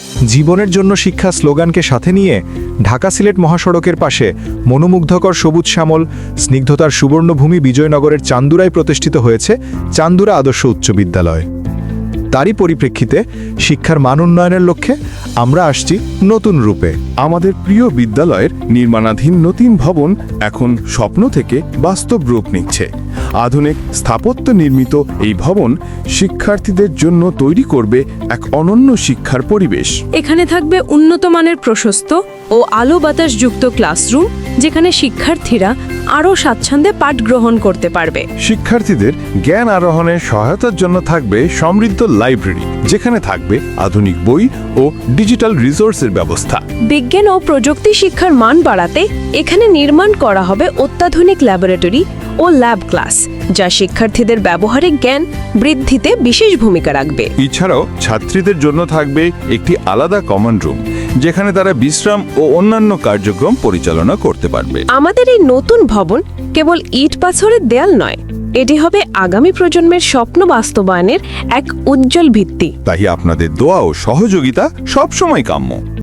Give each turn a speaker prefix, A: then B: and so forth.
A: জীবনের জন্য শিক্ষা স্লোগানকে সাথে নিয়ে ঢাকা সিলেট মহাসড়কের পাশে মনোমুগ্ধকর সবুজ শ্যামল স্নিগ্ধতার সুবর্ণভূমি বিজয়নগরের চান্দুরায় প্রতিষ্ঠিত হয়েছে চান্দুরা আদর্শ উচ্চ বিদ্যালয়। তারই পরিপ্রেক্ষিতে শিক্ষার মান উন্নয়নের লক্ষ্যে আমরা আসছি নতুন রূপে।
B: আমাদের প্রিয় বিদ্যালয়ের নির্মাণাধীন নতুন ভবন এখন স্বপ্ন থেকে বাস্তব রূপ নিচ্ছে। আধুনিক স্থাপত্য নির্মিত এই ভবন শিক্ষার্থীদের জন্য তৈরি করবে এক অনন্য শিক্ষার পরিবেশ।
C: এখানে থাকবে উন্নত মানের প্রশস্ত ও আলো বাতাসযুক্ত ক্লাসরুম, যেখানে শিক্ষার্থীরা আরও স্বাচ্ছন্দ্যে পাঠ গ্রহণ করতে পারবে।
B: শিক্ষার্থীদের জ্ঞান আরোহণের সহায়তার জন্য থাকবে সমৃদ্ধ লাইব্রেরি, যেখানে থাকবে আধুনিক বই ও ডিজিটাল রিসোর্সের ব্যবস্থা।
C: বিজ্ঞান ও প্রযুক্তি শিক্ষার মান বাড়াতে এখানে নির্মাণ করা হবে অত্যাধুনিক ল্যাবরেটরি ও ল্যাব ক্লাস, যা শিক্ষার্থীদের ব্যবহারিক জ্ঞান বৃদ্ধিতে বিশেষ ভূমিকা রাখবে।
B: এছাড়াও ছাত্রীদের জন্য থাকবে একটি আলাদা কমন রুম, যেখানে তারা বিশ্রাম ও অন্যান্য কার্যক্রম পরিচালনা করতে পারবে।
C: আমাদের এই নতুন ভবন কেবল ইট পাথরের দেয়াল নয়, এটি হবে আগামী প্রজন্মের স্বপ্ন বাস্তবায়নের এক উজ্জ্বল ভিত্তি।
B: তাই আপনাদের দোয়া ও সহযোগিতা সবসময় কাম্য।